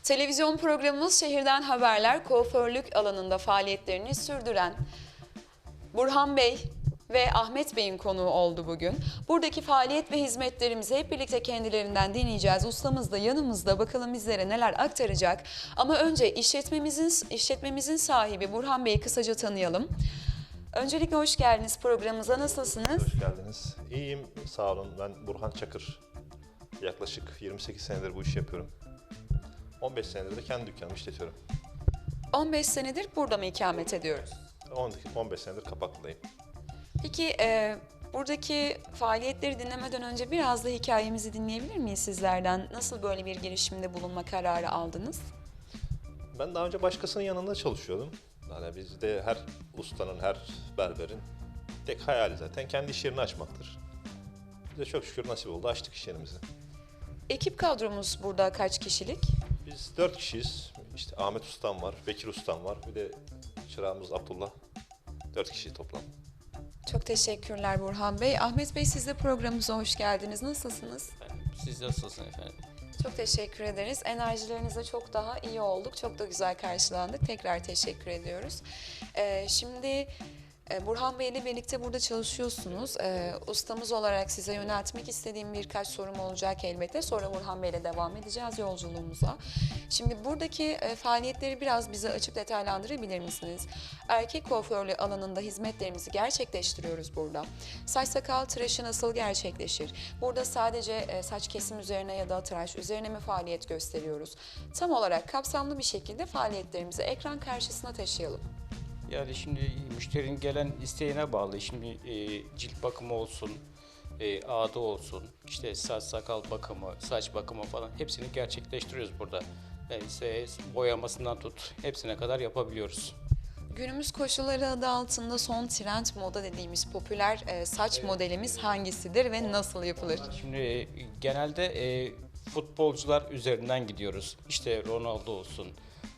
Televizyon programımız Şehirden Haberler kuaförlük alanında faaliyetlerini sürdüren Burhan Bey ve Ahmet Bey'in konuğu oldu bugün. Buradaki faaliyet ve hizmetlerimizi hep birlikte kendilerinden dinleyeceğiz. Ustamız da yanımızda, bakalım bizlere neler aktaracak. Ama önce işletmemizin sahibi Burhan Bey'i kısaca tanıyalım. Öncelikle hoş geldiniz programımıza. Nasılsınız? Hoş geldiniz. İyiyim, sağ olun. Ben Burhan Çakır. Yaklaşık 28 senedir bu işi yapıyorum. 15 senedir de kendi dükkanımı işletiyorum. 15 senedir burada mı ikamet ediyoruz? 15 senedir Kapaklı'dayım. Peki buradaki faaliyetleri dinlemeden önce biraz da hikayemizi dinleyebilir miyiz sizlerden? Nasıl böyle bir girişimde bulunma kararı aldınız? Ben daha önce başkasının yanında çalışıyordum. Yani bizde her ustanın, her berberin tek hayali zaten kendi iş yerini açmaktır. Bize çok şükür nasip oldu, açtık iş yerimizi. Ekip kadromuz burada kaç kişilik? Biz 4 kişiyiz. İşte Ahmet Ustam var, Bekir Ustam var, bir de çırağımız Abdullah. 4 kişi toplam. Çok teşekkürler Burhan Bey. Ahmet Bey, siz de programımıza hoş geldiniz. Nasılsınız? Siz nasılsınız efendim? Çok teşekkür ederiz. Enerjilerinizle çok daha iyi olduk. Çok da güzel karşılandık. Tekrar teşekkür ediyoruz. Şimdi Burhan Bey ile birlikte burada çalışıyorsunuz. Ustamız olarak size yöneltmek istediğim birkaç sorum olacak elbette. Sonra Burhan Bey ile devam edeceğiz yolculuğumuza. Şimdi buradaki faaliyetleri biraz bize açıp detaylandırabilir misiniz? Erkek kuaförlüğü alanında hizmetlerimizi gerçekleştiriyoruz burada. Saç sakal tıraşı nasıl gerçekleşir? Burada sadece saç kesim üzerine ya da tıraş üzerine mi faaliyet gösteriyoruz? Tam olarak kapsamlı bir şekilde faaliyetlerimizi ekran karşısına taşıyalım. Yani şimdi müşterinin gelen isteğine bağlı. Şimdi cilt bakımı olsun, ağda olsun, işte saç sakal bakımı, saç bakımı falan hepsini gerçekleştiriyoruz burada. Yani ise boyamasından tut hepsine kadar yapabiliyoruz. Günümüz koşulları adı altında son trend moda dediğimiz popüler saç modelimiz hangisidir ve nasıl yapılır? Şimdi genelde futbolcular üzerinden gidiyoruz. İşte Ronaldo olsun,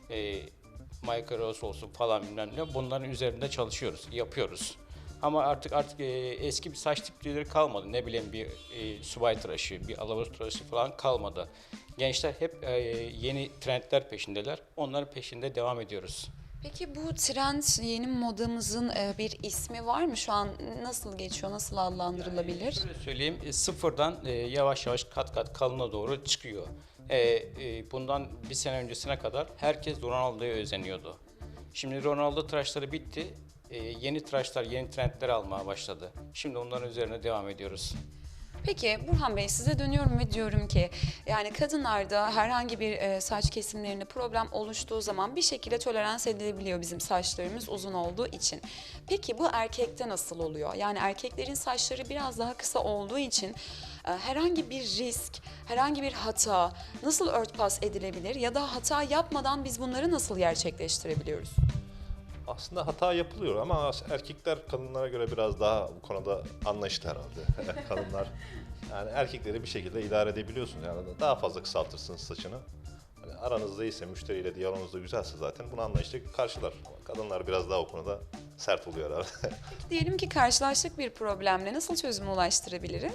Michael Rose olsun falan bilmem ne. Bunların üzerinde çalışıyoruz, yapıyoruz. Ama artık eski bir saç tipleri kalmadı. Ne bileyim bir subay tıraşı, bir alavuz tıraşı falan kalmadı. Gençler hep yeni trendler peşindeler. Onların peşinde devam ediyoruz. Peki bu trend yeni modamızın bir ismi var mı? Şu an nasıl geçiyor, nasıl adlandırılabilir? Şöyle söyleyeyim, sıfırdan yavaş yavaş kat kat kalına doğru çıkıyor. Bundan bir sene öncesine kadar herkes Ronaldo'ya özeniyordu. Şimdi Ronaldo tıraşları bitti, yeni tıraşlar, yeni trendler almaya başladı. Şimdi onların üzerine devam ediyoruz. Peki Burhan Bey, size dönüyorum ve diyorum ki yani kadınlarda herhangi bir saç kesimlerinde problem oluştuğu zaman bir şekilde tolerans edilebiliyor bizim saçlarımız uzun olduğu için. Peki bu erkekte nasıl oluyor? Yani erkeklerin saçları biraz daha kısa olduğu için herhangi bir risk, herhangi bir hata nasıl örtbas edilebilir ya da hata yapmadan biz bunları nasıl gerçekleştirebiliyoruz? Aslında hata yapılıyor ama erkekler kadınlara göre biraz daha bu konuda anlayışlı herhalde. Kadınlar yani erkekleri bir şekilde idare edebiliyorsun yani daha fazla kısaltırsınız saçını. Hani aranızda iyiyse, müşteriyle diyaloğunuz da güzelse zaten bunu anlayışla karşılar. Ama kadınlar biraz daha o konuda sert oluyor herhalde. Peki diyelim ki karşılaştık bir problemle nasıl çözüme ulaştırabiliriz?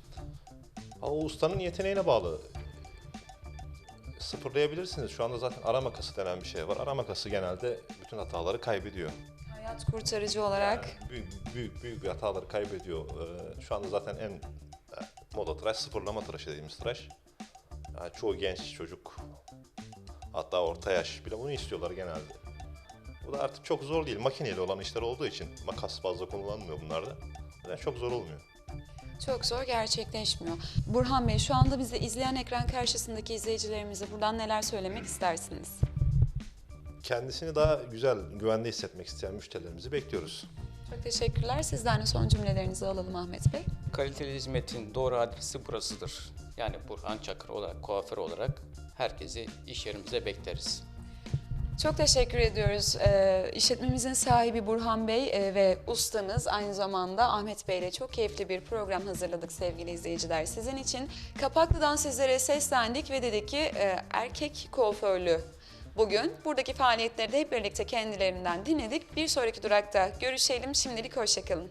O ustanın yeteneğine bağlı. Sıfırlayabilirsiniz. Şu anda zaten ara makası denen bir şey var. Ara makası genelde bütün hataları kaybediyor. Hayat kurtarıcı olarak. Büyük bir hataları kaybediyor. Şu anda zaten en moda tıraş, sıfırlama tıraşı dediğimiz tıraş. Yani çoğu genç çocuk, hatta orta yaş bile bunu istiyorlar genelde. Bu da artık çok zor değil. Makineyle olan işler olduğu için makas fazla kullanılmıyor bunlarda. Yani çok zor olmuyor. Çok zor gerçekleşmiyor. Burhan Bey, şu anda bizi izleyen ekran karşısındaki izleyicilerimize buradan neler söylemek istersiniz? Kendisini daha güzel, güvende hissetmek isteyen müşterilerimizi bekliyoruz. Çok teşekkürler. Sizden de son cümlelerinizi alalım Ahmet Bey. Kaliteli hizmetin doğru adresi burasıdır. Yani Burhan Çakır olarak, kuaför olarak herkesi iş yerimize bekleriz. Çok teşekkür ediyoruz. İşletmemizin sahibi Burhan Bey ve ustamız aynı zamanda Ahmet Bey ile çok keyifli bir program hazırladık sevgili izleyiciler. Sizin için Kapaklı'dan sizlere seslendik ve dedik ki erkek kuaförlüğü bugün. Buradaki faaliyetleri de hep birlikte kendilerinden dinledik. Bir sonraki durakta görüşelim. Şimdilik hoşça kalın.